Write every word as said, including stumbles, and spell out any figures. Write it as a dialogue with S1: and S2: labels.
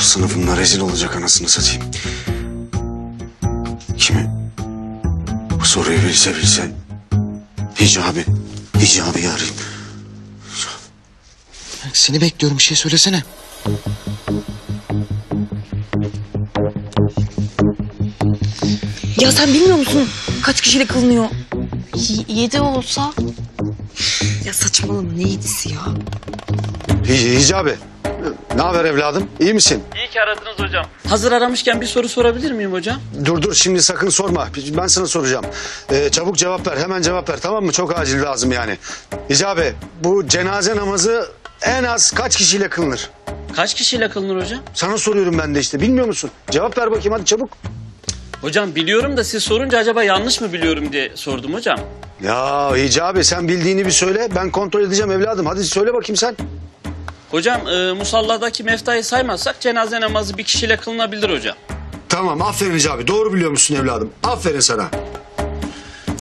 S1: Sınıfımda rezil olacak anasını satayım. Kimi? Bu soruyu bilse bilse. Hicabi. Hicabi'yi arayayım.
S2: Seni bekliyorum, bir şey söylesene.
S3: Ya sen bilmiyor musun kaç kişiyle kılınıyor?
S4: Y- yedi olsa?
S3: Ya saçmalama, ne yedisi ya?
S1: Hi- Hicabi. Ne haber evladım? İyi misin?
S5: İyi ki aradınız hocam. Hazır aramışken bir soru sorabilir miyim hocam?
S1: Dur dur şimdi sakın sorma. Ben sana soracağım. Ee, çabuk cevap ver. Hemen cevap ver, tamam mı? Çok acil lazım yani. Hicabi, bu cenaze namazı en az kaç kişiyle kılınır?
S5: Kaç kişiyle kılınır hocam?
S1: Sana soruyorum ben de işte. Bilmiyor musun? Cevap ver bakayım hadi çabuk.
S5: Hocam biliyorum da siz sorunca acaba yanlış mı biliyorum diye sordum hocam.
S1: Ya Hicabi, sen bildiğini bir söyle. Ben kontrol edeceğim evladım. Hadi söyle bakayım sen.
S5: Hocam e, musalladaki meftayı saymazsak cenaze namazı bir kişiyle kılınabilir hocam.
S1: Tamam, aferin Hicabi. Doğru biliyor musun evladım? Aferin sana.